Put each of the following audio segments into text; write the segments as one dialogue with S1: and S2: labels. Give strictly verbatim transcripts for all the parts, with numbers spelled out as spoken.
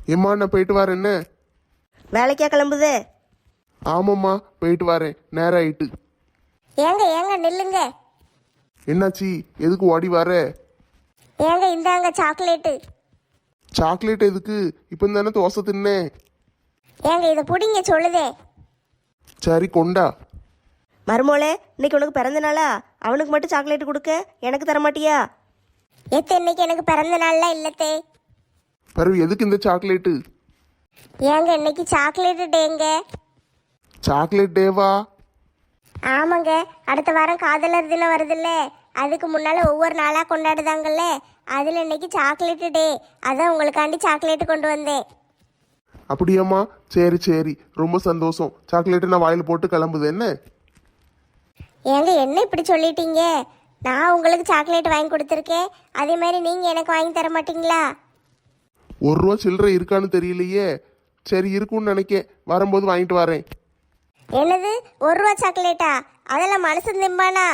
S1: ஏம்மா நான் போயிட்டு வரேன். என்ன
S2: வேலைக்கா கிளம்புதே?
S1: ஆமாம்மா போயிட்டு வரேன், நேரம் ஆயிட்டு.
S3: ஏங்க ஏங்க நில்லுங்க.
S1: என்னாச்சி, எதுக்கு ஓடி வர?
S3: ஏங்க இந்தாங்க சாக்லேட்டு.
S1: சாக்லேட் எதுக்கு? இப்போ தானே தோசை தின்னேன்.
S3: ஏங்க இதை புடிங்க சொல்லுதே.
S1: சரி கொண்டா.
S2: மருமோளே, இன்னைக்கு உனக்கு பிறந்த நாளா? அவனுக்கு மட்டும் சாக்லேட் கொடுக்க, எனக்கு தர மாட்டியா?
S3: எத்த இன்னைக்கு எனக்கு பிறந்த நாள்லாம் இல்லத்தே.
S1: பரவு எதுக்கு இந்த சாக்லேட்டு?
S3: ஏங்க இன்னைக்கு சாக்லேட்டு டேங்க.
S1: சாக்லேட் டேவா?
S3: ஆமாங்க, அடுத்த வாரம் காதலர் தினம் வருதுல்ல, அதுக்கு முன்னால ஒவ்வொரு நாளாக கொண்டாடுதாங்கல்ல, அதில் இன்னைக்கு சாக்லேட்டு டே. அதான் உங்களுக்காண்டி சாக்லேட்டு கொண்டு வந்தேன்.
S1: அப்படியாம்மா, சரி சரி, ரொம்ப சந்தோஷம். சாக்லேட்டு நான் வாயில் போட்டு கிளம்புது. என்ன
S3: ஏங்க என்ன இப்படி சொல்லிட்டீங்க? நான் உங்களுக்கு சாக்லேட் வாங்கி கொடுத்துருக்கேன், அதே மாதிரி நீங்கள் எனக்கு வாங்கி தர மாட்டீங்களா?
S1: ஒரு ரூபா சில்லறை இருக்கான்னு தெரியலையே. சரி இருக்குன்னு நினைக்கேன், வரும்போது வாங்கிட்டு வரேன்.
S3: என்னது, ஒரு ரூபா சாக்லேட்டா? அதெல்லாம் மனுஷன் திம்பானா?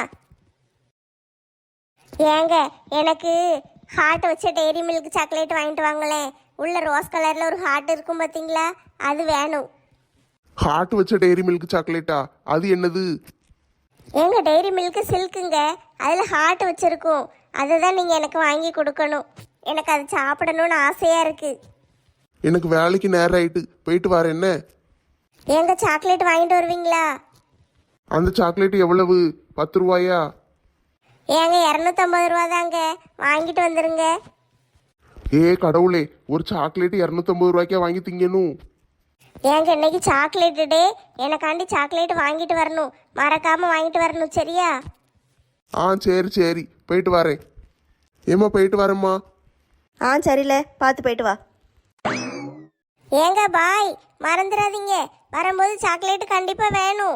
S3: ஏங்க எனக்கு ஹார்ட் வச்ச டெய்ரி மில்க் சாக்லேட் வாங்கிட்டு வாங்களேன். உள்ள ரோஸ் கலரில் ஒரு ஹார்ட் இருக்கும் பார்த்தீங்களா, அது வேணும்.
S1: ஹார்ட் வச்ச டெய்ரி மில்க் சாக்லேட்டா? அது என்னது?
S3: ஏங்க டெய்ரி மில்க் சில்க்குங்க, அதில் ஹார்ட் வச்சுருக்கும். அதை தான் நீங்கள் எனக்கு வாங்கி கொடுக்கணும். எனக்கு அது சாப்பிடணும்னு ஆசையாக இருக்குது.
S1: எனக்கு வேலைக்கு நேரம் ஆயிட்டு, போயிட்டு வரேன். என்ன
S3: ஏங்க சாக்லேட் வாங்கிட்டு வருவீங்களா?
S1: அந்த சாக்லேட் எவ்வளவு? பத்து ரூபாயா?
S3: ஏங்க இரநூத்தம்பது ரூபா தாங்க, வாங்கிட்டு வந்துருங்க.
S1: ஏ கடவுளே, ஒரு சாக்லேட் இரநூத்தம்பது ரூபாய்க்கா வாங்கி திங்கணும்?
S3: ஏங்க இன்னைக்கு சாக்லேட்டு டே, எனக்காண்டி சாக்லேட் வாங்கிட்டு வரணும், மறக்காம வாங்கிட்டு வரணும், சரியா?
S1: ஆ சரி சரி, போயிட்டு வரேன். ஏம்மா போயிட்டு வரேம்மா.
S2: ஆ சரியில்ல, பார்த்து போயிட்டு வா.
S3: ஏங்க பாய், மறந்துடாதீங்க, வரும்போது சாக்லேட்டு கண்டிப்பாக வேணும்.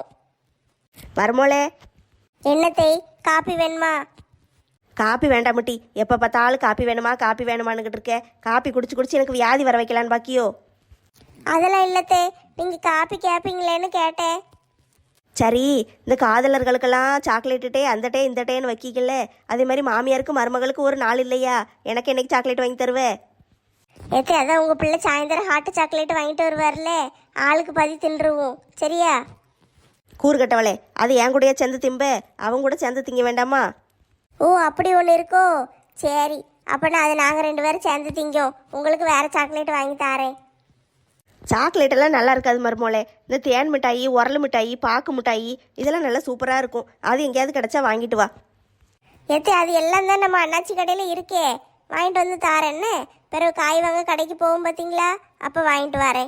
S2: மருமோளே,
S3: என்னத்தை, காப்பி வேணுமா?
S2: காப்பி வேண்டாம் முட்டி. எப்போ பார்த்தாலும் காப்பி வேணுமா காப்பி வேணுமான்னுக்கிட்டு இருக்க. காப்பி குடிச்சு குடிச்சு எனக்கு வியாதி வர வைக்கலான்னு பாக்கியோ?
S3: அதெல்லாம் இல்லத்தே, நீங்கள் காப்பி கேட்பீங்களேன்னு கேட்டேன்.
S2: சரி, இந்த காதலர்களுக்கெல்லாம் சாக்லேட்டு டே அந்த டே இந்த டேன்னு வைக்கிக்கல, அதே மாதிரி மாமியாருக்கு மருமகளுக்கு ஒரு நாள் இல்லையா? எனக்கு என்னைக்கு சாக்லேட் வாங்கி தருவே?
S3: ஏத்தே அதான் உங்கள் பிள்ளை சாயந்தரம் ஹாட்டு சாக்லேட் வாங்கிட்டு வருவார்ல, ஆளுக்கு பதி தின்றுவோம், சரியா?
S2: கூறுகட்டவளே, அது என் கூடயே சேர்ந்து திம்ப, அவங்க கூட சேர்ந்து திங்க வேண்டாமா?
S3: ஓ அப்படி ஒன்று இருக்கோ? சரி, அப்போனா அது நாங்கள் ரெண்டு பேரும் சேர்ந்து திங்கோம். உங்களுக்கு வேறு சாக்லேட் வாங்கி தாரேன்.
S2: சாக்லேட் எல்லாம் நல்லா இருக்காது மருமோளே. இந்த தேன் மிட்டாயி, உரல் மிட்டாயி, பாக்கு மிட்டாயி இதெல்லாம் நல்லா சூப்பராக இருக்கும். அது எங்கேயாவது கிடைச்சா வாங்கிட்டு வா.
S3: ஏத்தே அது எல்லாம் தான் நம்ம அண்ணாச்சி கடையில் இருக்கே, வாங்கிட்டு வந்து தாரேன்னு. பிறகு காய் வாங்க கடைக்கு போவோம் பார்த்தீங்களா, அப்போ வாங்கிட்டு வரேன்.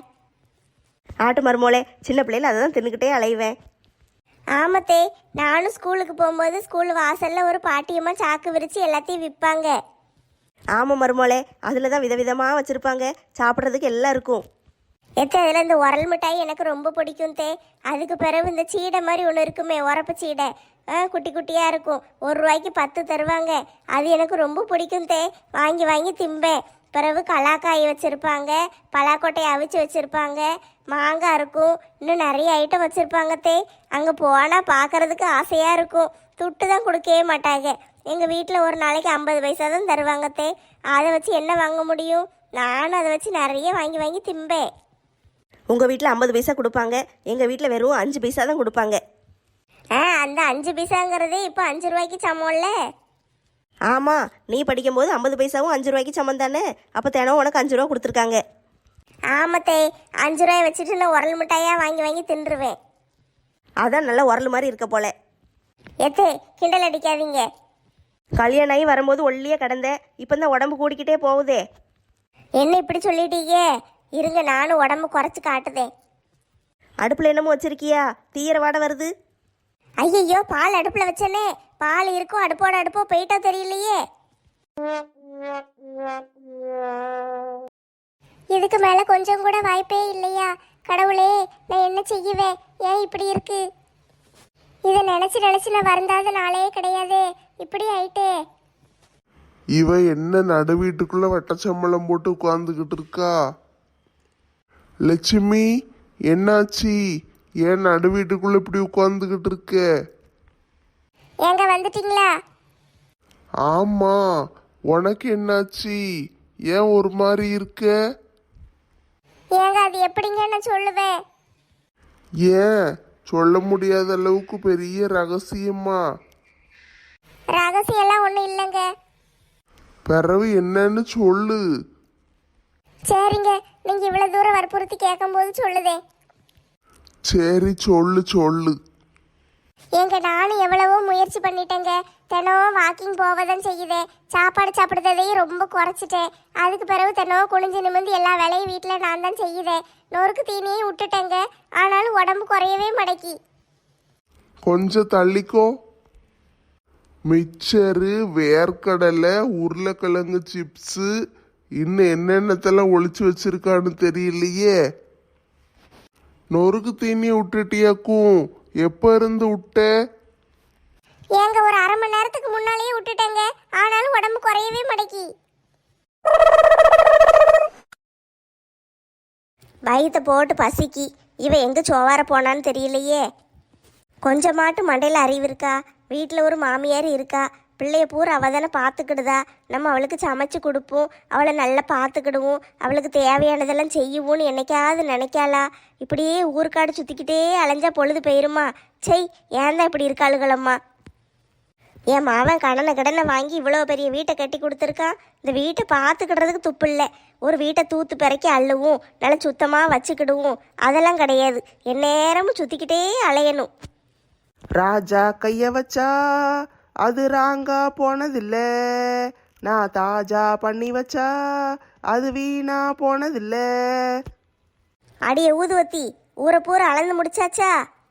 S2: ஆட்டு மருமோளே, சின்ன பிள்ளைல அதை தான் தின்னுக்கிட்டே அலைவேன்.
S3: ஆமத்தே, நானும் ஸ்கூலுக்கு போகும்போது ஸ்கூல் வாசலில் ஒரு பாட்டியம்மா சாக்கு விரித்து எல்லாத்தையும் விற்பாங்க.
S2: ஆமாம் மருமோளே, அதில் தான் விதவிதமாக வச்சுருப்பாங்க, சாப்பிட்றதுக்கு எல்லாம் இருக்கும்.
S3: ஏத்தே அதில் இந்த உரல் மிட்டாய் எனக்கு ரொம்ப பிடிக்கும் தே. அதுக்கு பிறகு இந்த சீடை மாதிரி ஒன்று இருக்குமே, உரப்பு சீடை, ஆ குட்டி குட்டியாக இருக்கும், ஒரு ரூபாய்க்கு பத்து தருவாங்க. அது எனக்கு ரொம்ப பிடிக்கும் தே, வாங்கி வாங்கி திம்பேன். பிறகு கலாக்காய் வச்சுருப்பாங்க, பலாக்கொட்டையை அவிச்சு வச்சுருப்பாங்க, மாங்காய் இருக்கும், இன்னும் நிறைய ஐட்டம் வச்சுருப்பாங்க தே. அங்கே போனால் பார்க்குறதுக்கு ஆசையாக இருக்கும். துட்டு தான் கொடுக்கவே மாட்டாங்க. எங்கள் வீட்டில் ஒரு நாளைக்கு ஐம்பது பைசா தான் தருவாங்க தே. அதை வச்சு என்ன வாங்க முடியும்? நானும் அதை வச்சு நிறைய வாங்கி வாங்கி திம்பேன்.
S2: உங்கள் வீட்டில் ஐம்பது பைசா கொடுப்பாங்க, எங்கள் வீட்டில் வெறும் அஞ்சு பைசா தான் கொடுப்பாங்க.
S3: ஆ அந்த அஞ்சு பைசாங்கிறதே இப்போ அஞ்சு ரூபாய்க்கு சமம்ல.
S2: ஆமாம், நீ படிக்கும்போது ஐம்பது பைசாவும் அஞ்சு ரூபாய்க்கு சமம் தானே? அப்போ தினம் உனக்கு அஞ்சு ரூபா கொடுத்துருக்காங்க.
S3: ஆமத்தே, அஞ்சு ரூபாய் வச்சுட்டு நான் உரல் மிட்டாயாக வாங்கி வாங்கி தின்றுவேன்.
S2: அதான் நல்ல உரல் மாதிரி இருக்க போல.
S3: எத்தே கிண்டல் அடிக்காதீங்க.
S2: கல்யாணம் ஆகி வரும்போது ஒல்லியே கிடந்த, இப்போ தான் உடம்பு கூடிக்கிட்டே போகுதே.
S3: என்ன இப்படி சொல்லிட்டீங்க? இருங்க நானும் உடம்பு குறைச்சி காட்டுதேன்.
S2: அடுப்பில் என்னமோ வச்சிருக்கியா? தீயிர வாடை வருது.
S3: ஐயையோ, பால் அடுப்பில் வச்சனே, பால் இருக்கும் அடுப்போட அடுப்போ போயிட்டா தெரியலையே. இதுக்கு மேலே கொஞ்சம் கூட வாய்ப்பே இல்லையா? கடவுளே, நான் என்ன செய்வேன்? ஏன் இப்படி இருக்கு? இதை நினச்சி நினச்சி நான் வருந்தாத நாளே கிடையாது, இப்படி ஆயிட்டே.
S1: இவ என்ன நடு வீட்டுக்குள்ள வட்டச்சம்பளம் போட்டு உட்கார்ந்துகிட்டு இருக்கா? லட்சுமி, என்னாச்சு? ஏன் நடு வீட்டுக்குள்ள இப்படி உட்கார்ந்துகிட்டு இருக்க?
S3: ஏங்க வந்துட்டீங்களா?
S1: ஆமா, உனக்கு என்னாச்சு? ஏன் ஒரு மாதிரி இருக்க?
S3: ஏங்க அது எப்படிங்க நான் சொல்லுவேன்?
S1: ஏன் சொல்ல முடியாத அளவுக்கு பெரிய ரகசியமா?
S3: ரகசியம்லாம் ஒன்றும் இல்லைங்க.
S1: பிறவு என்னன்னு சொல்லு.
S3: சரிங்க, நீங்கள் இவ்வளோ தூரம் வற்புறுத்தி கேட்கும்போது சொல்லுதே.
S1: சரி சொல்லு சொல்லு.
S3: ஏங்க நானும் எவ்வளவோ முயற்சி பண்ணிட்டேங்க. தினம் வாக்கிங் போவதான் செய்யுதேன். சாப்பாடு சாப்பிடுறதையும் ரொம்ப குறைச்சிட்டேன். அதுக்கு பிறகு தினம் குனிஞ்சு நிமிந்து எல்லா வேலையும் வீட்டில் நான் தான் செய்யுதேன். நொறுக்கு தீனியும் விட்டுட்டேங்க. ஆனாலும் உடம்பு குறையவே மடக்கி.
S1: கொஞ்சம் தள்ளிக்கோ. மிக்சரு, வேர்க்கடலை, உருளைக்கிழங்கு சிப்ஸு, இன்னும் என்னென்னத்தெல்லாம் ஒளிச்சு வச்சிருக்கான்னு தெரியலையே. நொறுக்கு தீனி விட்டுட்டியாக்கும். எப்ப இருந்து விட்ட?
S3: ஏங்க ஒரு அரை மணி நேரத்துக்கு முன்னாலேயே விட்டுட்டேங்க. ஆனாலும் உடம்பு குறையவே மடக்கி.
S2: வயிற்ற போட்டு பசிக்கி. இவ எங்கே சோவார போனான்னு தெரியலையே. கொஞ்சமாட்டு மண்டையில் அறிவு இருக்கா? வீட்டில் ஒரு மாமியார் இருக்கா. பிள்ளைய பூரா அவள் தானே பார்த்துக்கிடுதா. நம்ம அவளுக்கு சமைச்சு கொடுப்போம், அவளை நல்லா பார்த்துக்கிடுவோம், அவளுக்கு தேவையானதெல்லாம் செய்யுவோன்னு என்னைக்காவது நினைக்காளா? இப்படியே ஊருக்காடு சுற்றிக்கிட்டே அலைஞ்சா பொழுது போயிருமா? செய், ஏன் தான் இப்படி இருக்காளுகளம்மா? என் மாவன் கடனை கடனை வாங்கி இவ்வளோ பெரிய வீட்டை கட்டி கொடுத்துருக்கான். இந்த வீட்டை பார்த்துக்கிடுறதுக்கு துப்பு இல்லை. ஒரு வீட்டை தூத்து பிறக்கி அள்ளுவோம், நல்லா சுத்தமாக வச்சுக்கிடுவோம், அதெல்லாம் கிடையாது. எந்நேரமும் சுற்றிக்கிட்டே அலையணும்.
S4: ராஜா கைய வச்சா அது ராங்கா போனதில்ல, நான் தாஜா பண்ணி வச்சா அது வீணா போனதில்ல.
S2: அடியே ஊதுவத்தி, ஊரை பூரா அளந்து முடிச்சாச்சா?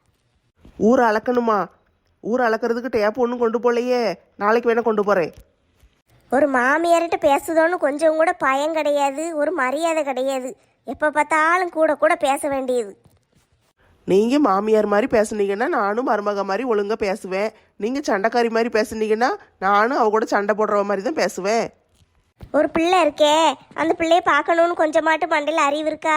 S4: ஊரை அளக்கணுமா? ஊரை அளக்கிறதுக்கு டேப் ஒன்றும் கொண்டு போகலையே. நாளைக்கு வேணா கொண்டு போகிறேன்.
S2: ஒரு மாமியார்கிட்ட பேசுதோன்னு கொஞ்சம் கூட பயம் கிடையாது, ஒரு மரியாதை கிடையாது. எப்போ பார்த்தாலும் கூட கூட பேச வேண்டியது.
S4: நீங்கள் மாமியார் மாதிரி பேசுனீங்கன்னா நானும் மருமக மாதிரி ஒழுங்காக பேசுவேன். நீங்கள் சண்டைக்காரி மாதிரி பேசுனீங்கன்னா நானும் அவ கூட சண்டை போடுற மாதிரி தான் பேசுவேன்.
S2: ஒரு பிள்ளை இருக்கே, அந்த பிள்ளைய பார்க்கணுன்னு கொஞ்சமாட்டு மண்டையில் அறிவு இருக்கா?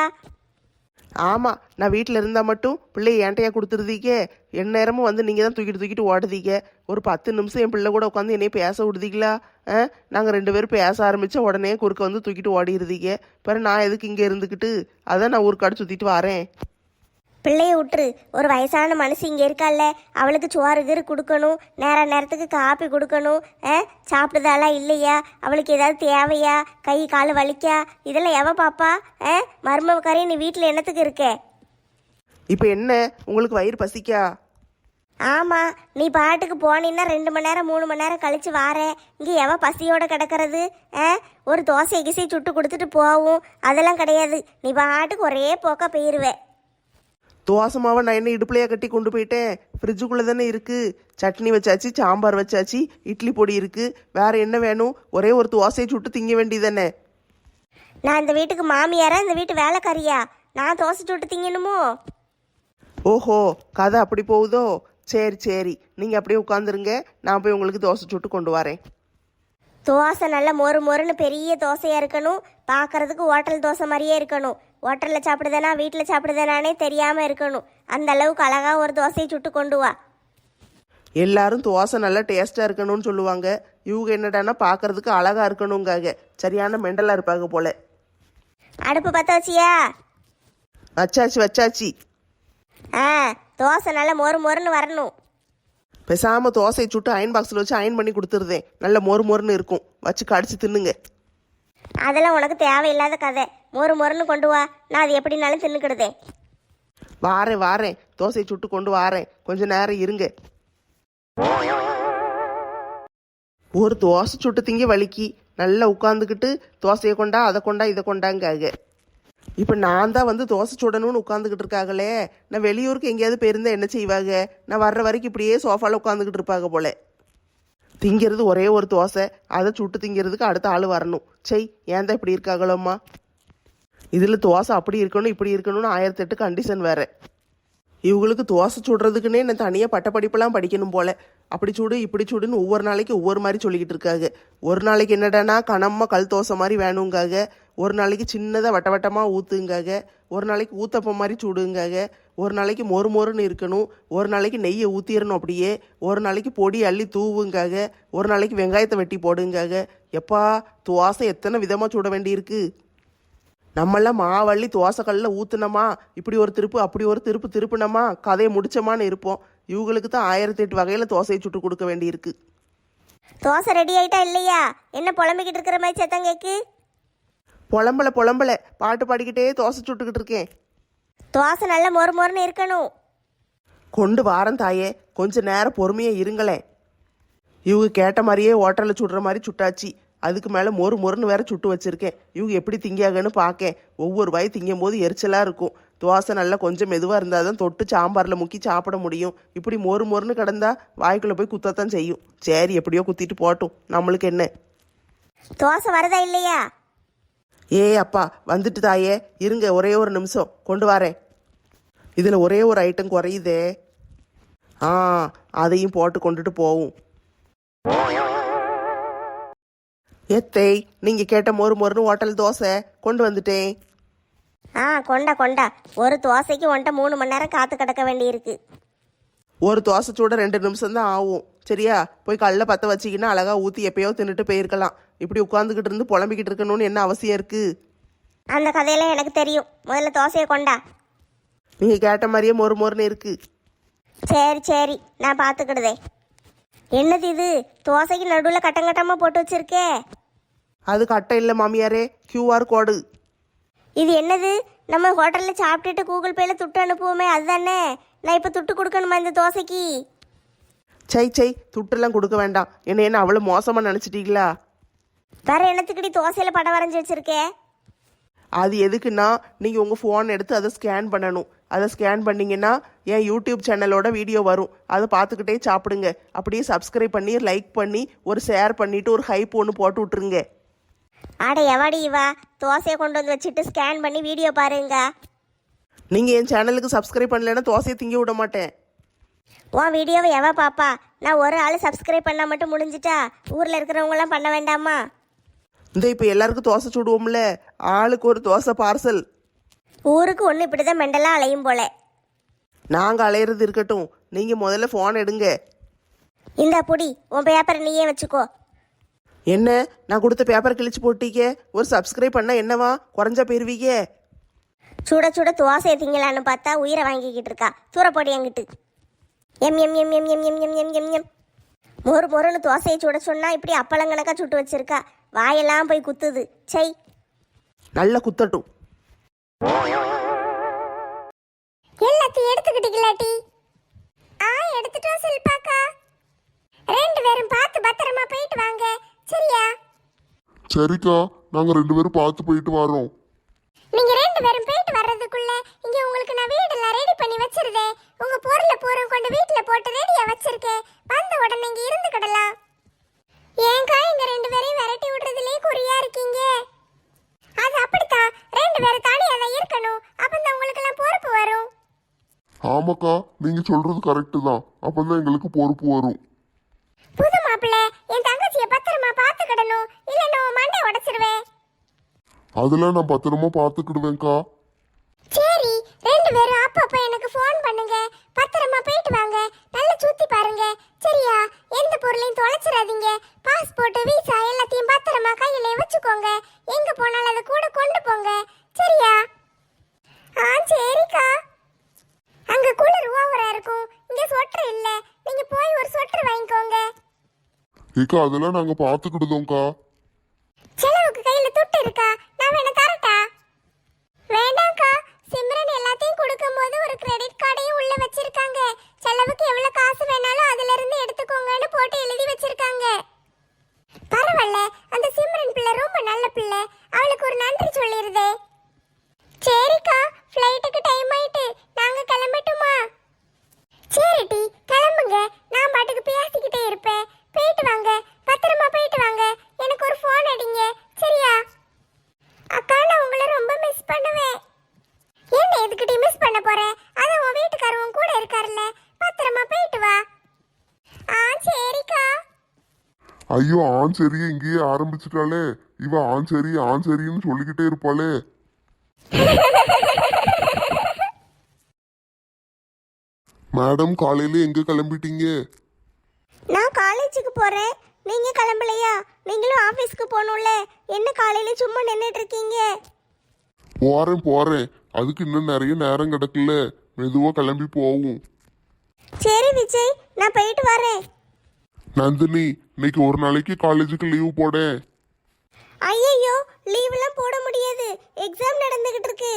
S4: ஆமாம், நான் வீட்டில் இருந்தால் மட்டும் பிள்ளைய ஏன்ட்டையா கொடுத்துருதீங்க. என் நேரமும் வந்து நீங்கள் தான் தூக்கிட்டு தூக்கிட்டு ஓடுதீங்க. ஒரு பத்து நிமிஷம் என் பிள்ளை கூட உட்காந்து என்னைய பேச விடுதீங்களா? ஆ, நாங்கள் ரெண்டு பேரும் பேச ஆரம்பித்தா உடனே குறுக்க வந்து தூக்கிட்டு ஓடிடுதீங்க. பிறகு நான் எதுக்கு இங்கே இருந்துக்கிட்டு? அதான் நான் ஊருக்காடு சுற்றிட்டு வரேன்.
S2: பிள்ளைய விட்டுரு. ஒரு வயசான மனுஷி இங்கே இருக்கால்ல, அவளுக்கு சோறு கீறு கொடுக்கணும், நேர நேரத்துக்கு காப்பி கொடுக்கணும். ஆ, சாப்பிடுதாளா இல்லையா, அவளுக்கு ஏதாவது தேவையா, கை கால் வலிக்கா, இதெல்லாம் எவ பாப்பா? ஆ, மருமக்காரி நீ வீட்டில் என்னத்துக்கு இருக்க?
S4: இப்போ என்ன உங்களுக்கு வயிறு பசிக்கா?
S2: ஆமாம், நீ பாட்டுக்கு போனீன்னா ரெண்டு மணி நேரம் மூணு மணி நேரம் கழிச்சு வாரேன். இங்கே எவ பசியோட கிடக்கிறது? ஆ, ஒரு தோசை கிசை சுட்டு கொடுத்துட்டு போவும், அதெல்லாம் கிடையாது. நீ பாட்டுக்கு ஒரே போக்கா போயிடுவேன்.
S4: தோசை மாவை நான் என்ன இடுப்புலையா கட்டி கொண்டு போயிட்டேன்? ஃப்ரிட்ஜுக்குள்ளே தானே இருக்குது. சட்னி வச்சாச்சு, சாம்பார் வச்சாச்சு, இட்லி பொடி இருக்குது. வேறு என்ன வேணும்? ஒரே ஒரு தோசையை சுட்டு திங்க வேண்டியதானே.
S2: நான் இந்த வீட்டுக்கு மாமியாரா, இந்த வீட்டு வேலைக்காரியா? நான் தோசை சுட்டு திங்கணுமோ?
S4: ஓஹோ, கதை அப்படி போகுதோ? சரி சரி, நீங்கள் அப்படியே உட்காந்துருங்க, நான் போய் உங்களுக்கு தோசை சுட்டு கொண்டு வரேன்.
S2: தோசை நல்லா மொறு மொறுன்னு பெரிய தோசையாக இருக்கணும், பார்க்கறதுக்கு ஹோட்டல் தோசை மாதிரியே இருக்கணும். ஹோட்டலில் சாப்பிடுதானா வீட்டில் சாப்பிடுதானே தெரியாமல் இருக்கணும். அந்த அளவுக்கு அழகாக ஒரு தோசையை சுட்டு கொண்டு வா.
S4: எல்லாரும் தோசை நல்லா டேஸ்ட்டாக இருக்கணும்னு சொல்லுவாங்க. இவங்க என்னடானா பார்க்கறதுக்கு அழகாக இருக்கணுங்காக. சரியான மெண்டலாக இருப்பாங்க போல.
S2: அடுப்பு பற்ற வச்சியா?
S4: வச்சாச்சு வச்சாச்சு.
S2: ஆ, தோசை நல்லா மொறு மொறுன்னு வரணும்.
S4: பேசாமல் தோசையை சுட்டு அயன் பாக்ஸில் வச்சு அயன் பண்ணி கொடுத்துருதேன். நல்ல மொறு மொறுன்னு இருக்கும், வச்சு கடிச்சு தின்னுங்க.
S2: அதெல்லாம் உனக்கு தேவையில்லாத கதை. மொறு மொறுன்னு கொண்டு வா, நான் அது எப்படினாலும் தின்னுக்கிடுதேன்.
S4: வாரேன் வாரேன், தோசையை சுட்டு கொண்டு வாரேன், கொஞ்ச நேரம் இருங்க. ஒரு தோசை சுட்டு திங்க வலிக்கி நல்லா உட்காந்துக்கிட்டு தோசையை கொண்டா அதை கொண்டா இதை கொண்டாங்காக. இப்போ நான் தான் வந்து தோசை சுடணும்னு உட்காந்துக்கிட்டு இருக்காங்களே. நான் வெளியூருக்கு எங்கேயாவது போயிருந்தா என்ன செய்வாங்க? நான் வர்ற வரைக்கும் இப்படியே சோஃபாவில் உட்காந்துக்கிட்டு இருப்பாங்க போல. திங்கிறது ஒரே ஒரு தோசை, அதை சுட்டு திங்கிறதுக்கு அடுத்த ஆள் வரணும். செய், ஏன் தான் இப்படி இருக்காங்களோம்மா? இதில் தோசை அப்படி இருக்கணும் இப்படி இருக்கணும்னு ஆயிரத்தெட்டு கண்டிஷன் வேறு. இவங்களுக்கு தோசை சுடுறதுக்குன்னே நான் தனியாக பட்ட படிப்பெல்லாம் படிக்கணும் போல. அப்படி சுடு இப்படி சுடுன்னு ஒவ்வொரு நாளைக்கு ஒவ்வொரு மாதிரி சொல்லிக்கிட்டு இருக்காங்க. ஒரு நாளைக்கு என்னடானா கனமாக கல் தோசை மாதிரி வேணுங்காக, ஒரு நாளைக்கு சின்னதாக வட்ட வட்டமாக ஊற்றுங்காக, ஒரு நாளைக்கு ஊத்தப்பம் மாதிரி சுடுங்காக, ஒரு நாளைக்கு மொறு மொறுன்னு இருக்கணும், ஒரு நாளைக்கு நெய்யை ஊற்றிடணும் அப்படியே, ஒரு நாளைக்கு பொடி அள்ளி தூவுங்காக, ஒரு நாளைக்கு வெங்காயத்தை வெட்டி போடுங்காக. எப்பா, தோசை எத்தனை விதமாக சுட வேண்டியிருக்கு. நம்மளாம் மாவள்ளி தோசைக்கல்லில் ஊற்றுனோமா இப்படி ஒரு திருப்பு அப்படி ஒரு திருப்பு திருப்பினோமா கதையை முடிச்சோமான்னு இருப்போம். இவங்களுக்கு தான் ஆயிரத்தி எட்டு வகையில் தோசையை சுட்டு கொடுக்க வேண்டியிருக்கு.
S2: தோசை ரெடி ஆயிட்டா இல்லையா? என்ன புலம்பிக்கிட்டு இருக்கிற மாதிரி சத்தம் கேக்கு?
S4: புலம்பல புலம்பல பாட்டு பாடிக்கிட்டே தோசை சுட்டுக்கிட்டு இருக்கேன்.
S2: தோசை நல்ல மொறு மொறுன்னு இருக்கணும்.
S4: கொண்டு வாரம் தாயே, கொஞ்ச நேரம் பொறுமையாக இருங்களேன். இவங்க கேட்ட மாதிரியே ஹோட்டலில் சுடுற மாதிரி சுட்டாச்சு. அதுக்கு மேலே மொறு மொறுன்னு வேற சுட்டு வச்சுருக்கேன். இவங்க எப்படி திங்காகன்னு பார்க்கேன். ஒவ்வொரு வாய் திங்கும் போது எரிச்சலாக இருக்கும். தோசை நல்லா கொஞ்சம் மெதுவாக இருந்தால் தான் தொட்டு சாம்பாரில் முக்கி சாப்பிட முடியும். இப்படி மொறு மொறுன்னு கிடந்தா வாய்க்குள்ளே போய் குத்தத்தான் செய்யும். சரி, எப்படியோ குத்திட்டு போட்டும், நம்மளுக்கு என்ன.
S2: தோசை வரதா இல்லையா?
S4: ஏ அப்பா, வந்துட்டு தாயே, இருங்க ஒரே ஒரு நிமிஷம் கொண்டு வரேன். இதில் ஒரே ஒரு ஐட்டம் குறையுதே. ஆ, அதையும் போட்டு கொண்டுட்டு போவும். எத்தை, நீங்கள் கேட்ட மொறு மொறுன்னு ஹோட்டல் தோசை கொண்டு வந்துட்டேன்.
S2: ஆ, கொண்டா கொண்டா. ஒரு தோசைக்கு ஒன்ட்ட மூணு மணி நேரம் காத்து கிடக்க வேண்டியிருக்கு.
S4: ஒரு தோசை சூட ரெண்டு நிமிஷம் தான் ஆகும். சரியா, போய் கல்ல பற்ற வச்சிக்கின்னா அழகா ஊற்றி எப்பயோ தின்னுட்டு போயிருக்கலாம். இப்படி உட்காந்துக்கிட்டு இருந்து புலம்பிக்கிட்டு இருக்கணும்னு என்ன அவசியம் இருக்கு?
S2: அந்த கதையெல்லாம் எனக்கு தெரியும். முதல்ல தோசையை கொண்டா.
S4: நீங்கள் கேட்ட மாதிரியே மொறு மொறுன்னு இருக்கு.
S2: சரி சரி, நான் பார்த்துக்கிடுதே. என்னது இது? தோசைக்கு நடுவில் கட்டங்கட்டமாக போட்டு வச்சிருக்கே.
S4: அது கட்டை இல்லை மாமியாரே, கியூஆர் கோடு.
S2: இது என்னது? நம்ம ஹோட்டலில் சாப்பிட்டுட்டு கூகுள் பேல துட்டு அனுப்புவோமே, அதுதானே? நான் இப்போ துட்டு கொடுக்கணுமா இந்த தோசைக்கு?
S4: சை சை, துட்டெல்லாம் கொடுக்க வேண்டாம். என்ன என்ன அவ்வளோ மோசமாக நினச்சிட்டீங்களா?
S2: வேற என்னத்துக்குடி தோசையில் படம் வரைஞ்சி வச்சிருக்கே?
S4: அது எதுக்குன்னா, நீங்கள் உங்கள் ஃபோன் எடுத்து அதை ஸ்கேன் பண்ணணும். அதை ஸ்கேன் பண்ணிங்கன்னா என் யூடியூப் சேனலோட வீடியோ வரும். அதை பார்த்துக்கிட்டே சாப்பிடுங்க. அப்படியே சப்ஸ்கிரைப் பண்ணி லைக் பண்ணி ஒரு ஷேர் பண்ணிவிட்டு ஒரு ஹைப் ஒன்று போட்டு விட்ருங்க.
S2: ஆட எவாடி இவா தோசையை கொண்டு வந்து வச்சுட்டு ஸ்கேன் பண்ணி வீடியோ பாருங்க.
S4: நீங்கள் என் சேனலுக்கு சப்ஸ்கிரைப் பண்ணலைன்னா தோசையை திங்க விட மாட்டேன்.
S2: உன் வீடியோவை எவா பாப்பா? நான் ஒரு ஆள் சப்ஸ்கிரைப் பண்ணால் மட்டும் முடிஞ்சிட்டா? ஊரில் இருக்கிறவங்களாம் பண்ண வேண்டாமா?
S4: இந்த இப்போ எல்லாருக்கும் தோசை சுடுவோம்ல, ஆளுக்கு ஒரு தோசை பார்சல்.
S2: ஊருக்கு ஒன்று இப்படி தான் மெண்டலாக அலையும் போல.
S4: நாங்கள் அலையிறது இருக்கட்டும், நீங்கள் முதல்ல ஃபோன் எடுங்க.
S2: இந்த புடி, உன் பேப்பரை நீயே வச்சுக்கோ.
S4: என்ன, நான் கொடுத்த பேப்பர் கிழிச்சு போட்டீங்க? ஒரு சப்ஸ்கிரைப் பண்ணால் என்னவா குறைஞ்சா போயிருவீங்க?
S2: சுட சுட தோசையை திங்கலான்னு பார்த்தா உயிரை வாங்கிக்கிட்டு இருக்கா. தூரப்போடி என்கிட்டு. எம் எம் எம் எம் எம் எம் எம் எம் எம் எம் மொறு மொறுன்னு தோசையை சுட சொன்னா இப்படி அப்பளங்கணக்கா சுட்டு வச்சிருக்கா. வாயெல்லாம் போய் குத்துது. சை,
S4: நல்ல குத்தட்டும்.
S3: எல்லாத்தையும் எடுத்துக்கிட்டீங்களாட்டி? ஆ, எடுத்துட்டோம் சில்பாக்கா. ரெண்டு பேரும் பார்த்து பத்திரமா போயிட்டு வாங்க, சரியா?
S1: சரிக்கா, நாங்க ரெண்டு பேரும் பார்த்து போயிட்டு வரோம்.
S3: நீங்க ரெண்டு பேரும் போயிட்டு வர்றதுக்குள்ள இங்க உங்களுக்கு நான் வீடெல்லாம் ரெடி பண்ணி வச்சிருந்தேன். உங்க பொருளை பூரா கொண்டு வீட்டுல போட்டு ரெடியா வச்சிருக்கேன். வந்த உடனே இங்க இருந்துக்கிடலாம். ஏங்கா இங்க ரெண்டு பேரையும் விரட்டி விடுறதுலயே குறியா இருக்கீங்க? அது அப்படித்தான், ரெண்டு பேரும் தனியா தான் இருக்கணும். அப்பதான் உங்களுக்கு எல்லாம் பொறுப்பு வரும்.
S1: ஆமாக்கா, நீங்க சொல்றது கரெக்டு தான். அப்பதான் எங்களுக்கு பொறுப்பு வரும்.
S3: புது மாப்பிள்ள, என் தங்கச்சியை பத்திரமா பாத்துக்கிடணும், இல்லைன்னா உன் மண்டை உடைச்சிருவேன்.
S1: அதெல்லாம் நான் பத்திரமா பார்த்துக்கிடுவேன்க்கா.
S3: சரி, ரெண்டு பேரும் அப்பப்ப எனக்கு ஃபோன் பண்ணுங்க. பத்திரமா போயிட்டு வாங்க. நல்லா சுத்தி பாருங்க, சரியா? எந்த பொருளையும் தொலைச்சிடாதீங்க. பாஸ்போர்ட், விசா எல்லாத்தையும் பத்திரமா கையில வச்சுக்கோங்க. எங்க போனாலும் அதை கூட கொண்டு போங்க, சரியா? ஆ, சரிக்கா. அங்க குளிர் ஓவரா இருக்கும், இங்க சொட்டர் இல்ல. நீங்க போய் ஒரு சொட்டர் வாங்கிக்கோங்க.
S1: ஏக்கா, அதெல்லாம் நாங்க பார்த்துக்கிடுதோம்க்கா.
S3: செலவுக்கு கையில துட்டு இருக்கா? நான் வேணா தரட்டா? வேண்டாம்க்கா, சிம்ரன் எல்லாத்தையும் கொடுக்கும்போது ஒரு கிரெடிட் கார்டையும் உள்ள வச்சிருக்காங்க. செலவுக்கு எவ்வளவு காசு வேணாலும் அதுல இருந்து எடுத்துக்கோங்கன்னு போட்டு எழுதி வச்சிருக்காங்க. பரவாயில்ல, அந்த சிம்ரன் பிள்ளை ரொம்ப நல்ல பிள்ளை. அவளுக்கு ஒரு நன்றி சொல்லிருதே. சரிக்கா, ஃப்ளைட்டுக்கு டைம் ஆயிட்டு, நாங்க கிளம்பட்டுமா? சரி டி, கிளம்புங்க. நான் பாட்டுக்கு பேசிக்கிட்டே இருப்பேன். போயிட்டு வாங்க, பத்திரமா போயிட்டு வாங்க. எனக்கு ஒரு ஃபோன் அடிங்க, சரியா? அக்கா, நான் உங்களை ரொம்ப மிஸ் பண்ணுவேன். என்ன எதுக்கிட்டே மிஸ் பண்ண போறேன்? அதான் உன் வீட்டுக்காரவும் கூட இருக்காருல்ல. பத்திரமா போயிட்டு வா. ஆ, சரிக்கா.
S1: ஐயோ, ஆண் சரியை இங்கேயே ஆரம்பிச்சிட்டாளே. இவ ஆண் சரி ஆண் சரின்னு சொல்லிக்கிட்டே இருப்பாளே. மேடம், காலையில எங்க கிளம்பிட்டீங்க?
S2: நான் காலேஜுக்கு போறேன். நீங்க கிளம்பலையா? நீங்களும் ஆபீஸ்க்கு போகணும்ல. என்ன காலையில சும்மா நின்றுட்டு இருக்கீங்க?
S1: போறேன் போறேன், அதுக்கு இன்னும் நிறைய நேரம் கிடக்குல்ல, மெதுவா கிளம்பி போவும்.
S3: சரி விஜய், நான் போயிட்டு வரேன்.
S1: நந்தினி, இன்னைக்கு ஒரு நாளைக்கு காலேஜுக்கு லீவு போடேன்.
S3: ஐயையோ, லீவ்லாம் போட முடியாது, எக்ஸாம் நடந்துகிட்டு இருக்கு.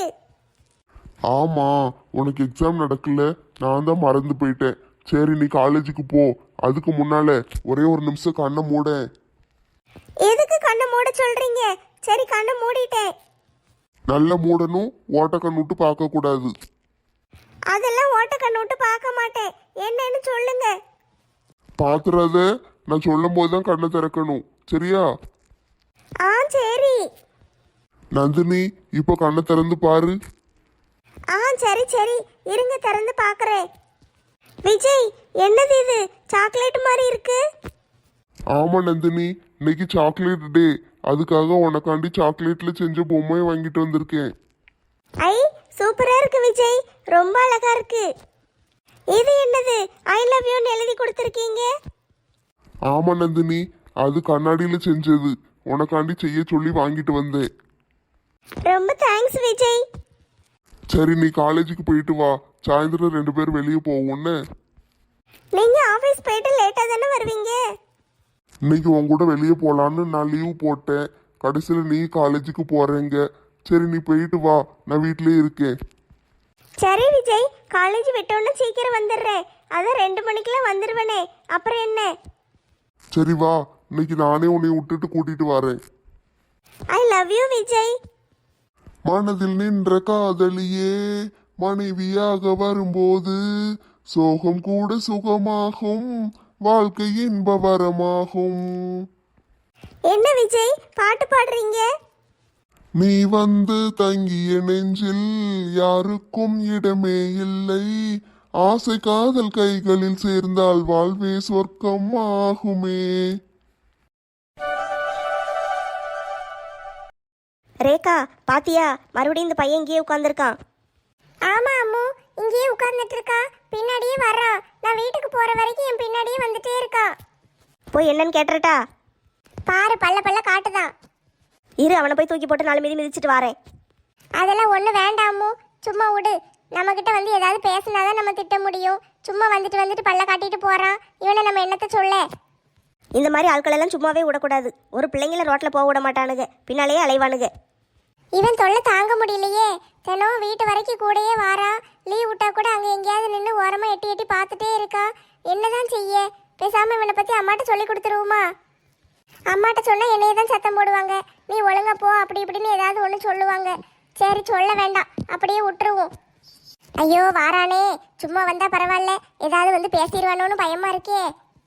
S1: ஆமா, உனக்கு எக்ஸாம் நடக்கல, நான் தான் மறந்து போயிட்டேன். சரி நீ காலேஜுக்கு போ, அதுக்கு முன்னால ஒரே ஒரு நிமிஷம் கண்ணை மூட.
S3: எதுக்கு கண்ணை மூட சொல்றீங்க? சரி, கண்ணை மூடிட்டேன்.
S1: நல்ல மூடணும், ஓட்ட கண்ணுட்டு பார்க்க கூடாது.
S3: அதெல்லாம் ஓட்ட கண்ணு விட்டு பார்க்க மாட்டேன். என்னன்னு சொல்லுங்க.
S1: பாத்துறாத, நான் சொல்லும் போதுதான் கண்ணை திறக்கணும், சரியா?
S3: ஆ சரி.
S1: நந்தினி, இப்போ கண்ணை திறந்து பாரு.
S3: ஆ சரி சரி, இருங்க திறந்து பார்க்கறேன். விஜய், என்னது இது? சாக்லேட் மாதிரி இருக்கு.
S1: ஆமா நந்தினி, இன்னைக்கு சாக்லேட் டே, அதுக்காக உனக்காண்டி சாக்லேட்ல செஞ்ச பொம்மையை வாங்கிட்டு வந்திருக்கேன்.
S3: ஐ, சூப்பரா இருக்கு விஜய், ரொம்ப அழகா இருக்கு. இது என்னது? ஐ லவ் யூன்னு எழுதி கொடுத்துருக்கீங்க.
S1: ஆமா நந்தினி, அது கண்ணாடியில செஞ்சது, உனக்காண்டி செய்ய சொல்லி வாங்கிட்டு வந்தேன்.
S3: ரொம்ப தேங்க்ஸ் விஜய்.
S1: சரி நீ காலேஜுக்கு போயிட்டு வா, சாயந்தரம் ரெண்டு பேரும் வெளியே போவோம்னு.
S3: நீங்க ஆபீஸ் போயிட்டு லேட்டா தானே வருவீங்க?
S1: இன்னைக்கு உன் கூட வெளியே போலான்னு நான் லீவு போட்டேன், கடைசியில் நீ காலேஜுக்கு போறேங்க. சரி நீ போயிட்டு வா, நான் வீட்லயே இருக்கேன்.
S3: சரி விஜய், காலேஜ் விட்டோன்னு சீக்கிரம் வந்துடுறேன். அதான் ரெண்டு மணிக்கெல்லாம் வந்துடுவேனே, அப்புறம் என்ன?
S1: சரி வா, இன்னைக்கு நானே உன்னை விட்டுட்டு கூட்டிட்டு வரேன்.
S3: I love you Vijay.
S1: மனதில் நின்ற காதலியே மனைவியாக வரும்போது சோகம் கூட சுகமாகும், வாழ்க்கை இன்ப வரமாகும்.
S3: என்ன விஜய் பாட்டு பாடுறீங்க?
S1: நீ வந்து தங்கிய நெஞ்சில் யாருக்கும் இடமே இல்லை, ஆசை காதல் கைகளில் சேர்ந்தால் வாழ்வே சொர்க்கம் ஆகுமே.
S2: ரேகா, பாத்தியா? மறுபடியும் இந்த பையன் இங்கேயே உட்காந்துருக்கான்.
S3: ஆமா அம்மு, இங்கேயே உட்கார்ந்துட்டு இருக்கா, பின்னாடியே வர்றான். நான் வீட்டுக்கு போற வரைக்கும் என் பின்னாடியே வந்துட்டே இருக்கா.
S2: போய் என்னன்னு கேட்டுறட்டா?
S3: பாரு, பல்ல பல்ல காட்டுதான்.
S2: இரு, அவனை போய் தூக்கி போட்டு நாலு மிதி மிதிச்சிட்டு வரேன்.
S3: அதெல்லாம் ஒண்ணு வேண்டாம் அம்மு, சும்மா விடு. நம்ம கிட்ட வந்து ஏதாவது பேசினாதான் நம்ம திட்ட முடியும். சும்மா வந்துட்டு வந்துட்டு பல்ல காட்டிட்டு போறான். இவனை நம்ம என்னத்த சொல்ல?
S2: இந்த மாதிரி ஆட்களெல்லாம் சும்மாவே விடக்கூடாது. ஒரு பிள்ளைங்கள ரோட்டில் போக விட மாட்டானுங்க, பின்னாலேயே அலைவானுங்க.
S3: இவன் தொல்லை தாங்க முடியலையே. தினம் வீட்டு வரைக்கும் கூடயே வாரான். லீவ் விட்டா கூட அங்கே எங்கேயாவது நின்று ஓரமா எட்டி எட்டி பார்த்துட்டே இருக்கான். என்னதான் செய்ய? பேசாம இவனை பத்தி அம்மாட்ட சொல்லி கொடுத்துருவோமா? அம்மாட்ட சொன்னா என்னைய தான் சத்தம் போடுவாங்க. நீ ஒழுங்கா போ அப்படி இப்படின்னு ஏதாவது ஒன்று சொல்லுவாங்க. சரி, சொல்ல வேண்டாம், அப்படியே விட்டுருவோம். ஐயோ வாரானே, சும்மா வந்தா பரவாயில்ல, ஏதாவது வந்து பேசிடுவானோன்னு பயமா இருக்கே.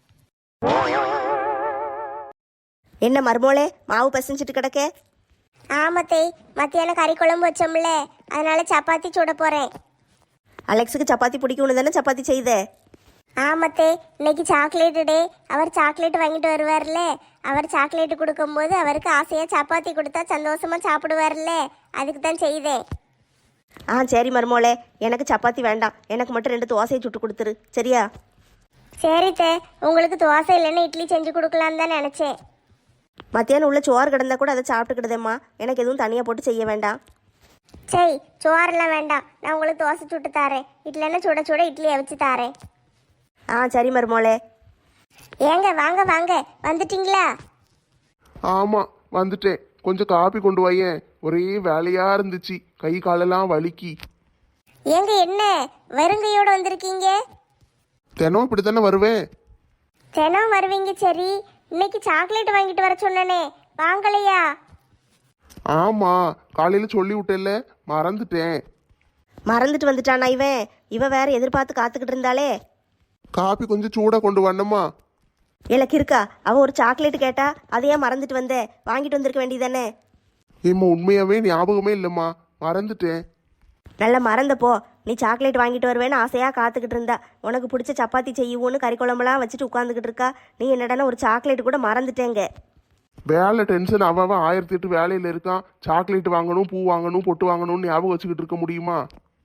S2: என்ன மருமோளே, மாவு பசிஞ்சிட்டு கிடக்க?
S3: ஆமத்தே, மத்தியானம் கறி குழம்பு வச்சோம்ல, அதனால சப்பாத்தி சுட போறேன்.
S2: அலெக்ஸுக்கு சப்பாத்தி பிடிக்கும்னு தானே சப்பாத்தி செய்த?
S3: ஆமத்தே, இன்னைக்கு சாக்லேட் டே. அவர் சாக்லேட் வாங்கிட்டு வருவார்ல, அவர் சாக்லேட் கொடுக்கும்போது அவருக்கு ஆசையா சப்பாத்தி கொடுத்தா சந்தோஷமா சாப்பிடுவார்ல, அதுக்கு தான் செய்தேன்.
S2: ஆ சரி மருமோளே, எனக்கு சப்பாத்தி வேண்டாம், எனக்கு மட்டும் ரெண்டு தோசையை சுட்டு கொடுத்துரு, சரியா?
S3: சரித்தே, உங்களுக்கு தோசை இல்லைன்னு இட்லி செஞ்சு கொடுக்கலான்னு தான் நினைச்சேன்.
S2: மத்தியானம் உள்ள சோறு கிடந்தா கூட அதை சாப்பிட்டுக்கிடுதேம்மா, எனக்கு எதுவும் தனியாக போட்டு செய்ய வேண்டாம்.
S3: சரி, சோறெல்லாம் வேண்டாம், நான் உங்களுக்கு தோசை சுட்டு தாரேன். இட்லின்னா சுட சுட இட்லியை வச்சு தாரேன்.
S2: ஆ சரி மருமோளே.
S3: ஏங்க வாங்க வாங்க, வந்துட்டீங்களா?
S4: ஆமாம் வந்துட்டேன். கொஞ்சம் காப்பி கொண்டு வாயேன், ஒரே வேலையாக இருந்துச்சு, கை காலெல்லாம் வலிக்கி.
S3: ஏங்க என்ன வெறுங்கையோட வந்திருக்கீங்க?
S4: தினம் இப்படி தானே வருவேன்.
S3: தினம் வருவீங்க, சரி. இன்னைக்கு சாக்லேட் வாங்கிட்டு வர சொன்னனே, வாங்கலையா?
S4: ஆமாம், காலையில் சொல்லி விட்டேல்ல, மறந்துட்டேன்.
S2: மறந்துட்டு வந்துட்டானா இவன்? இவ வேற எதிர்பார்த்து காத்துக்கிட்டு இருந்தாலே.
S4: காப்பி கொஞ்சம் சூடாக கொண்டு வரணுமா?
S2: எனக்கு இருக்கா? அவ ஒரு சாக்லேட் கேட்டா, அதையே மறந்துட்டு வந்த, வாங்கிட்டு வந்திருக்க வேண்டியதானே.
S4: ஏம்மா உண்மையாகவே ஞாபகமே இல்லைம்மா, மறந்துட்டேன்.
S2: நல்லா மறந்தப்போ, நீ சாக்லேட் வாங்கிட்டு வருவேன்னு ஆசையாக காத்துக்கிட்டு இருந்தா, உனக்கு பிடிச்ச சப்பாத்தி செய்யுவோன்னு கறி குழம்புலாம் வச்சுட்டு உட்காந்துக்கிட்டு இருக்கா. நீ என்னடானா ஒரு சாக்லேட் கூட மறந்துட்டேங்க.
S4: வேலை டென்ஷன், அவன் அவன் ஆயிரத்தி எட்டு வேலையில் இருக்கான். சாக்லேட் வாங்கணும், பூ வாங்கணும், பொட்டு வாங்கணும்னு ஞாபகம் வச்சுக்கிட்டு இருக்க முடியுமா?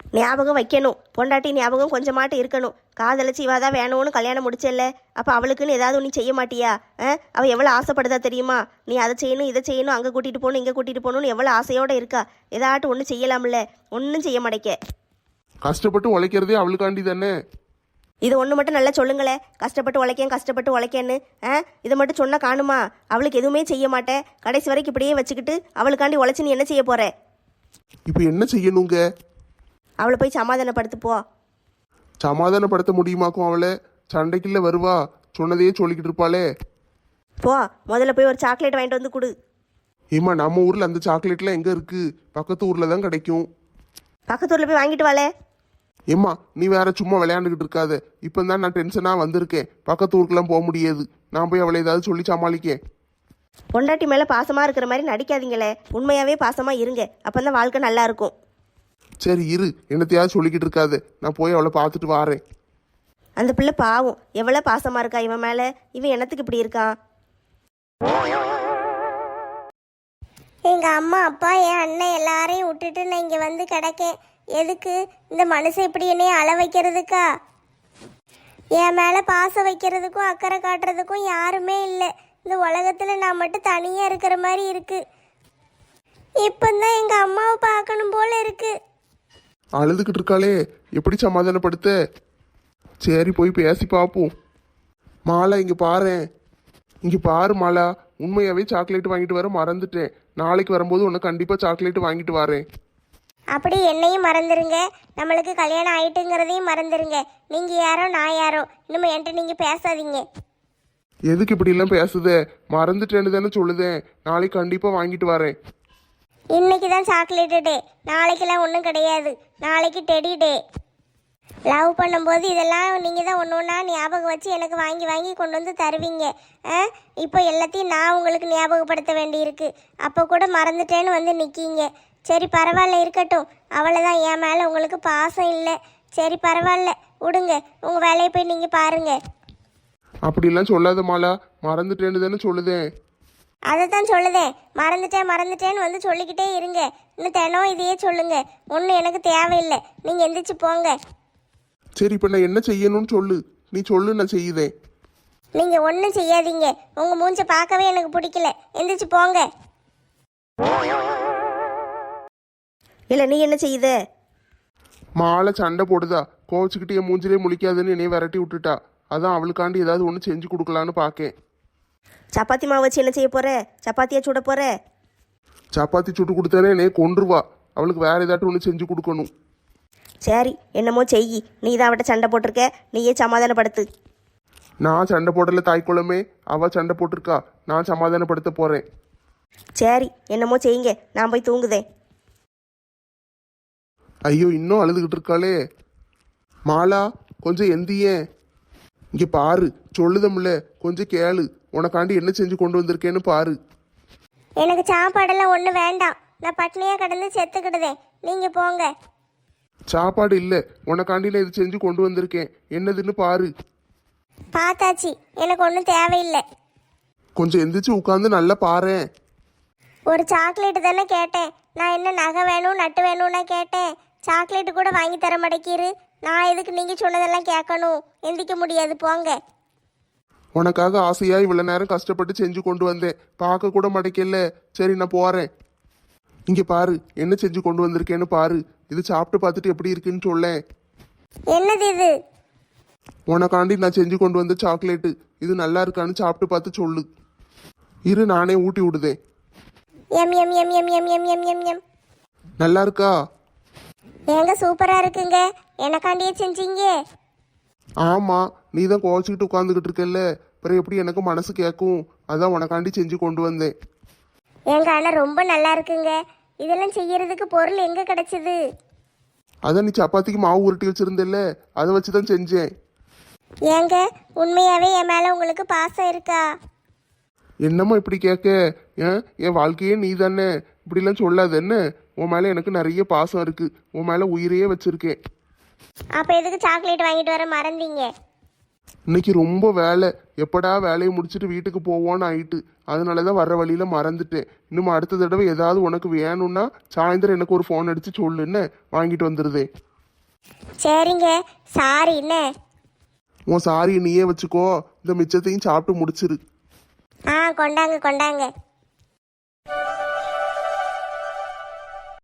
S2: ஞாபகம் வைக்கணும். பொண்டாட்டி ஞாபகம் கொஞ்சமாட்டு இருக்கணும். காதலிச்சு இவா தான் வேணும்னு கல்யாணம் முடிச்சல்ல, அப்போ அவளுக்குன்னு ஏதாவது நீ செய்ய மாட்டியா? ஆ அவள் எவ்வளோ ஆசைப்படுதா தெரியுமா? நீ அதை செய்யணும் இதை செய்யணும் அங்கே கூட்டிகிட்டு போகணும் இங்கே கூட்டிகிட்டு போகணும்னு எவ்வளோ ஆசையோடு இருக்கா. ஏதாட்டும் ஒன்றும் செய்யலாம்ல, ஒன்றும் செய்ய மாட்டேக்க.
S1: கஷ்டப்பட்டு உழைக்கிறதே அவளுக்காண்டி தானே.
S2: இது ஒன்று மட்டும் நல்லா சொல்லுங்களே, கஷ்டப்பட்டு உழைக்கேன் கஷ்டப்பட்டு உழைக்கேன்னு. ஆ இதை மட்டும் சொன்னால் காணுமா? அவளுக்கு எதுவுமே செய்ய மாட்டேன், கடைசி வரைக்கும் இப்படியே வச்சுக்கிட்டு அவளுக்காண்டி உழைச்சி நீ என்ன செய்ய போற?
S1: இப்போ என்ன செய்யணுங்க?
S2: அவளை போய் சமாதானப்படுத்து போ.
S1: சமாதானப்படுத்த முடியுமாக்கும் அவளை? சண்டைக்குள்ள வருவா, சொன்னதையே சொல்லிக்கிட்டு இருப்பாளே.
S2: போ, முதல்ல போய் ஒரு சாக்லேட் வாங்கிட்டு வந்து கொடு.
S1: ஏம்மா, நம்ம ஊரில் அந்த சாக்லேட்லாம் எங்கே இருக்குது? பக்கத்து ஊரில் தான் கிடைக்கும்.
S2: பக்கத்து ஊரில் போய் வாங்கிட்டு வாளே.
S1: ஏம்மா, நீ வேற சும்மா விளையாண்டுக்கிட்டு இருக்காத. இப்போ தான் நான் டென்ஷனாக வந்திருக்கேன். பக்கத்து ஊருக்குலாம் போக முடியாது. நான் போய் அவளை ஏதாவது சொல்லி சமாளிக்கேன்.
S2: பொண்டாட்டி மேலே பாசமாக இருக்கிற மாதிரி நடிக்காதீங்களே, உண்மையாகவே பாசமாக இருங்க. அப்போ தான் வாழ்க்கை நல்லா இருக்கும்.
S1: சரி இரு, என்னத்தையாவது சொல்லிக்கிட்டு இருக்காது. நான் போய் அவளை பார்த்துட்டு வாரேன்.
S2: அந்த பிள்ளை பாவம், எவ்வளோ பாசமாக இருக்கா இவன் மேலே. இவன் என்னத்துக்கு இப்படி இருக்கான்?
S3: எங்கள் அம்மா அப்பா என் அண்ணன் எல்லாரையும் விட்டுட்டு நான் இங்கே வந்து கிடக்கேன். எதுக்கு? இந்த மனுஷன் இப்படி என்னைய அழ வைக்கிறதுக்கா? என் மேலே பாசம் வைக்கிறதுக்கும் அக்கறை காட்டுறதுக்கும் யாருமே இல்லை. இந்த உலகத்தில் நான் மட்டும் தனியாக இருக்கிற மாதிரி இருக்கு. இப்போதான் எங்கள் அம்மாவை பார்க்கணும் போல இருக்கு.
S1: அழுதுகிட்டு இருக்காளே, எப்படி சமாதானப்படுத்த? சரி போய் பேசி பார்ப்போம். மாலா இங்கே பாரேன். இங்கே பாரு மாலா, உண்மையாகவே சாக்லேட் வாங்கிட்டு வர மறந்துட்டேன். நாளைக்கு வரும்போது உனக்கு கண்டிப்பாக சாக்லேட் வாங்கிட்டு வரேன்.
S3: அப்படி என்னையும் மறந்துருங்க, நம்மளுக்கு கல்யாணம் ஆயிட்டுங்கிறதையும் மறந்துருங்க. நீங்கள் யாரோ நான் யாரோ, இன்னும் என்கிட்ட நீங்கள் பேசாதீங்க.
S1: எதுக்கு இப்படிலாம் பேசுதே? மறந்துட்டேன்னு தானே சொல்லுதேன். நாளைக்கு கண்டிப்பாக வாங்கிட்டு வரேன்.
S3: இன்னைக்கு தான் சாக்லேட்டு டே, நாளைக்கெல்லாம் ஒன்றும் கிடையாது. நாளைக்கு டெடி டே. லவ் பண்ணும்போது இதெல்லாம் நீங்கள் தான் ஒன்று ஒன்றா ஞாபகம் வச்சு எனக்கு வாங்கி வாங்கி கொண்டு வந்து தருவீங்க. ஆ இப்போ எல்லாத்தையும் நான் உங்களுக்கு ஞாபகப்படுத்த வேண்டியிருக்கு. அப்போ கூட மறந்துட்டேன்னு வந்து நிற்கீங்க. சரி பரவாயில்ல, இருக்கட்டும். அவ்வளோதான், என் மேலே உங்களுக்கு பாசம் இல்லை. சரி பரவாயில்ல, விடுங்க. உங்கள் வேலையை போய் நீங்கள் பாருங்கள்.
S1: அப்படிலாம் சொல்லாத மாலா, மறந்துட்டேன்னு தானே சொல்லுதேன்.
S3: அதை தான் சொல்லுதேன், மறந்துட்டேன் மறந்துட்டேன்னு வந்து சொல்லிக்கிட்டே இருங்க. இன்னும் தினம் இதையே சொல்லுங்க. ஒன்றும் எனக்கு தேவையில்லை, நீங்கள் எந்திரிச்சு போங்க.
S1: சரி இப்போ நான் என்ன செய்யணும்னு சொல்லு. நீ சொல்லு, நான் செய்யுதேன்.
S3: நீங்கள் ஒன்றும் செய்யாதீங்க. உங்கள் மூஞ்சை பார்க்கவே எனக்கு பிடிக்கல. எந்திரிச்சு போங்க.
S2: இல்லை நீ என்ன செய்யுத?
S1: மாலை சண்டை போடுதா, கோவச்சுக்கிட்டு என் மூஞ்சிலே முழிக்காதுன்னு என்னைய விரட்டி விட்டுட்டா. அதான் அவளுக்காண்டி ஏதாவது ஒன்று செஞ்சு கொடுக்கலான்னு பார்க்கேன்.
S2: சப்பாத்தி மாவு வச்சு என்ன செய்ய போற? சப்பாத்தியா சுட போற?
S1: சப்பாத்தி சுட்டு கொடுத்தானே என்னைய கொன்றுவா. அவளுக்கு வேற ஏதாட்டும் ஒன்று செஞ்சு கொடுக்கணும்.
S2: சரி என்னமோ செய். நீ தான் அவட்ட சண்டை போட்டிருக்க, நீயே சமாதானப்படுத்து.
S1: நான் சண்டை போடல தாய்க்குளமே, அவ சண்டை போட்டிருக்கா. நான் சமாதானப்படுத்த போறேன்.
S2: சரி என்னமோ செய்யுங்க, நான் போய் தூங்குதேன்.
S1: ஐயோ, இன்னும் அழுதுகிட்டு இருக்காளே. மாலா கொஞ்சம் எந்தியே. இங்கே பாரு, சொல்லுதம்ல, கொஞ்சம் கேளு. உனக்காண்டி என்ன செஞ்சு கொண்டு வந்திருக்கேன்னு பாரு.
S3: எனக்கு சாப்பாடெல்லாம் ஒன்றும் வேண்டாம். நான் பட்னியாக கிடந்து செத்துக்கிடுதேன். நீங்கள் போங்க.
S1: சாப்பாடு இல்லை, உனக்காண்டி நான் இது செஞ்சு கொண்டு வந்திருக்கேன். என்னதுன்னு பாரு.
S3: பார்த்தாச்சு, எனக்கு ஒன்றும் தேவையில்லை.
S1: கொஞ்சம் எந்திரிச்சு உட்காந்து நல்லா பாரேன்.
S3: ஒரு சாக்லேட்டு தானே கேட்டேன். நான் என்ன நகை வேணும் நட்டு வேணும்னா கேட்டேன். சாக்லேட்டு கூட வாங்கி தர மாட்டேங்கிரு. நான் எதுக்கு நீங்கள் சொன்னதெல்லாம் கேட்கணும்? எந்திக்க முடியாது, போங்க.
S1: உனக்காக ஆசையா இவ்வளோ நேரம் கஷ்டப்பட்டு செஞ்சு கொண்டு வந்தேன். பார்க்க கூட மாட்டேக்கல. சரி நான் போறேன். இங்கே பாரு, என்ன செஞ்சு கொண்டு வந்திருக்கேன்னு பாரு. இது சாப்பிட்டு பார்த்துட்டு எப்படி இருக்குன்னு சொல்லேன்.
S3: என்னது இது?
S1: உனக்காண்டி நான் செஞ்சு கொண்டு வந்த சாக்லேட்டு. இது நல்லா இருக்கான்னு சாப்பிட்டு பார்த்து சொல்லு. இரு, நானே ஊட்டி விடுதேன்.
S3: எம் எம் எம் எம் எம் எம் எம் எம் எம்.
S1: நல்லா இருக்கா?
S3: ஏங்க சூப்பராக இருக்குங்க. எனக்காண்டியே செஞ்சீங்க?
S1: ஆமாம், நீ தான் கோச்சிக்கிட்டு உட்காந்துக்கிட்டு இருக்கல்ல, அப்புறம் எப்படி எனக்கு மனசு கேட்கும்? அதான் உனக்காண்டி செஞ்சு கொண்டு வந்தேன்.
S3: ஏங்க ஆனால் ரொம்ப நல்லா இருக்குங்க. இதெல்லாம் செய்யறதுக்கு பொருள் எங்கே கிடைச்சது?
S1: அதான் நீ சப்பாத்திக்கு மாவு உருட்டி வச்சிருந்தல்ல, அதை வச்சு தான் செஞ்சேன்.
S3: ஏங்க உண்மையாகவே என் மேலே உங்களுக்கு பாசம் இருக்கா?
S1: என்னம்மா இப்படி கேட்க? ஏன், என் வாழ்க்கையே நீ தானே. இப்படிலாம் சொல்லாத என்ன. உன் மேலே எனக்கு நிறைய பாசம் இருக்கு. உன் மேலே உயிரையே வச்சிருக்கேன்.
S3: அப்போ எதுக்கு சாக்லேட் வாங்கிட்டு வர மறந்தீங்க?
S1: இன்னைக்கு ரொம்ப வேலை. எப்படா வேலையை முடிச்சுட்டு வீட்டுக்கு போவோன்னு ஆயிட்டு. அதனால தான் வர்ற வழியில் மறந்துட்டேன். இன்னும் அடுத்த தடவை ஏதாவது உனக்கு வேணும்னா சாயந்தரம் எனக்கு ஒரு ஃபோன் அடித்து சொல்லுன்னு வாங்கிட்டு வந்துடுதே.
S3: சரிங்க, சாரி என்ன.
S1: உன் சாரியை நீயே வச்சுக்கோ, இந்த மிச்சத்தையும் சாப்பிட்டு முடிச்சிரு.
S3: ஆ கொண்டாங்க கொண்டாங்க.